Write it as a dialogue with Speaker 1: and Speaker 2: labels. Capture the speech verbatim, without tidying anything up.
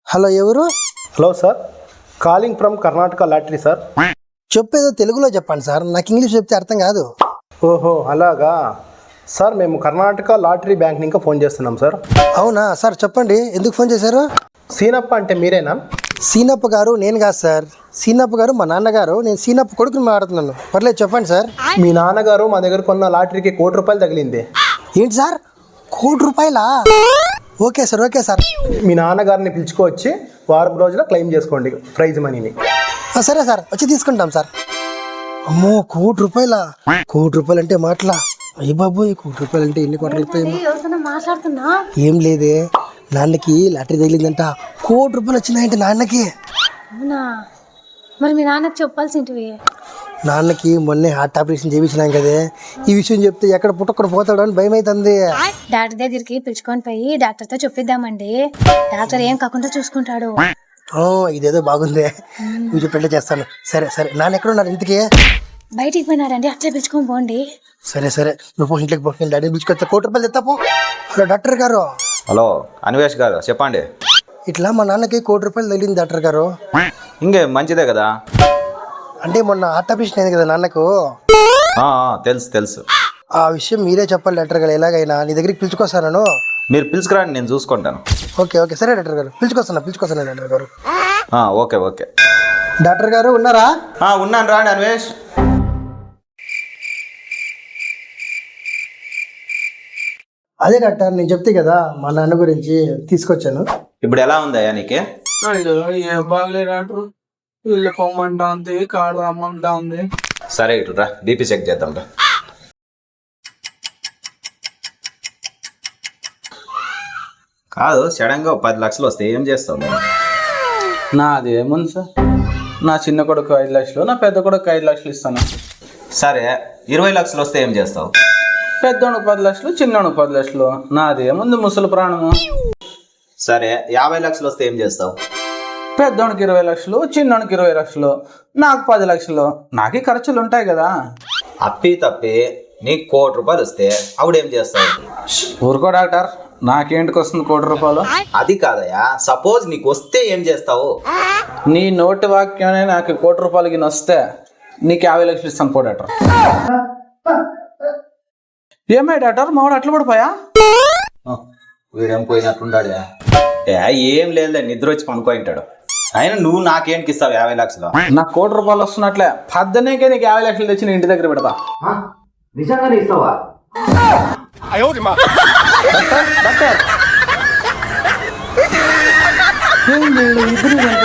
Speaker 1: Hello ఎవరు?
Speaker 2: Hello sir, calling from Karnataka lottery sir.
Speaker 1: చెప్పేదో తెలుగులో చెప్పండి సార్, నాకు ఇంగ్లీష్ చెప్తే అర్థం కాదు.
Speaker 2: ఓహో అలాగా సార్, మేము కర్ణాటక లాటరీ బ్యాంక్ ఇంకా ఫోన్ చేస్తున్నాం సార్.
Speaker 1: అవునా సార్, చెప్పండి ఎందుకు ఫోన్ చేశారు?
Speaker 2: సీనప్ప అంటే మీరేనా?
Speaker 1: సీనప్ప గారు నేను కాదు సార్, సీనప్ప గారు మా నాన్నగారు, నేను సీనప్ప కొడుకుని మాట్లాడుతున్నాను. పర్లేదు చెప్పండి సార్.
Speaker 2: మీ నాన్నగారు మా దగ్గర కొన్న లాటరీకి కోటి రూపాయలు తగిలింది.
Speaker 1: ఏంటి సార్, కోటి రూపాయలా? Okay sir okay sir.
Speaker 2: మీ నాన్నగారిని పిలుచుకొచ్చి వారం రోజుల క్లెయిమ్ చేసుకోండి ప్రైజ్ మనీని.
Speaker 1: ఆ, సరే సార్, వచ్చి తీసుకుంటాం సార్. అమ్మో కోటి రూపాయలా? కోటి రూపాయలు అంటే మాటలా? అయ్య బాబోయ్, కోటి రూపాయలు అంటే ఎన్ని కోట్లు అవుతాయి?
Speaker 3: మాట్లాడుతున్నా
Speaker 1: ఏం లేదే, నాన్నకి లాటరీ తగిలిందంట, కోటి రూపాయలు వచ్చినాయంటే నాన్నకి.
Speaker 3: అవునా, మరి మీ నాన్నకు చెప్పాల్సింటివి.
Speaker 1: నాన్నకి మొన్నే హార్ట్ ఆపరేషన్ చేయించినాం కదే, ఈ విషయం చెప్తే ఎక్కడ పుట్టక్కడ పోతాడు అని భయం అవుతుంది.
Speaker 3: డాక్టర్ దగ్గరికి పిలుచుకొని పోయి డాక్టర్తో చెప్పిద్దామండి, డాక్టర్ ఏం కాకుండా చూసుకుంటాడు.
Speaker 1: ఆ, ఇదేదో బాగుంది, నువ్వు చెప్పేట్లే చేస్తాను. సరే సరే, నాన్న ఎక్కడ ఉన్నారు ఇంతకీ?
Speaker 3: బయటికి పోయినాడండి, అట్లా పిలుచుకొని పోండి.
Speaker 1: సరే సరే, నువ్వు పో ఇంట్లోకి పో, నేను డాడీ పిలుచుకొస్తా, కోటి రూపాయలు తెస్తా పో. హలో డాక్టర్ గారు.
Speaker 4: హలో అన్వేష్ గారు, చెప్పండి.
Speaker 1: ఇట్లా మా నాన్నకి కోటి రూపాయలు తగిలింది డాక్టర్ గారు.
Speaker 4: ఇంకే మంచిదే కదా.
Speaker 1: అంటే మొన్న హార్ట్ ఆపరేషన్ అయింది కదా నాన్నకు,
Speaker 4: ఆ, ఆ, తెలుసు తెలుసు.
Speaker 1: ఆ విషయం మీరే చెప్పాలి డాక్టర్ గారు, ఎలాగైనా నీ దగ్గరికి పిలుచుకొస్తాను.
Speaker 4: మీరు పిలుచుకురండి, నేను చూసుకుంటాను.
Speaker 1: ఓకే ఓకే సరే డాక్టర్ గారు, పిలుచుకొస్తాను పిలుచుకొస్తాను డాక్టర్ గారు.
Speaker 4: ఆ, ఓకే ఓకే.
Speaker 1: డాక్టర్ గారు ఉన్నారా?
Speaker 4: ఆ, ఉన్నాను, రాండి అన్వేష్.
Speaker 1: అదే డాక్టర్, నేను చెప్తే కదా మా నాన్న గురించి తీసుకొచ్చాను.
Speaker 4: ఇప్పుడు ఎలా ఉందయ్యా నీకే?
Speaker 5: అయ్యో ఏం బాగలే డాక్టర్, ఇల్లు పొమ్మంటా ఉంది, కాడు రమ్మంటా ఉంది.
Speaker 4: సరే ఇటు రా, బీపీ చెక్ చేద్దాం రా. కాదు, సడన్ గా పది లక్షలు వస్తే ఏం చేస్తావు నువ్వు?
Speaker 5: నాది ఏముంది సార్, నా చిన్న కొడుకు ఐదు లక్షలు, నా పెద్ద కొడుకు ఐదు లక్షలు ఇస్తాను.
Speaker 4: సరే ఇరవై లక్షలు వస్తే ఏం చేస్తావు?
Speaker 5: పెద్దోనికి పది లక్షలు, చిన్నోనికి పది లక్షలు, నాది ఏముంది ముసలి ప్రాణము.
Speaker 4: సరే యాభై లక్షలు వస్తే ఏం చేస్తావు?
Speaker 5: పెద్దోనికి ఇరవై లక్షలు, చిన్నోనికి ఇరవై లక్షలు, నాకు పది లక్షలు, నాకే ఖర్చులు ఉంటాయి కదా.
Speaker 4: అప్పి తప్పి నీకు కోటి రూపాయలు వస్తే అప్పుడేం చేస్తావు?
Speaker 5: ఊరుకో డాక్టర్, నాకేంటికి వస్తుంది కోటి రూపాయలు?
Speaker 4: అది కాదయ్యా, సపోజ్ నీకు వస్తే ఏం చేస్తావు?
Speaker 5: నీ నోటి వాక్యమే నాకు కోటి రూపాయలకి వస్తే నీకు యాభై లక్షలు ఇస్తాను పో డాక్టర్. ఏమై డాక్టర్, మావాడు అట్లా పడిపోయా?
Speaker 4: వీడేం పోయినట్లుంటాడు. ఏం లేదు, నిద్ర వచ్చి పనుకోయింటాడు. అయినా నువ్వు నాకేంటికి ఇస్తావు యాభై లక్షలు?
Speaker 5: నాకు కోటి రూపాయలు వస్తున్నట్లే, పద్దనేకే నీకు యాభై లక్షలు తెచ్చి నీ ఇంటి దగ్గర పెడతా.
Speaker 4: నిజంగానే ఇస్తావా?
Speaker 5: డాక్టర్, ఏంది ఇద్దరు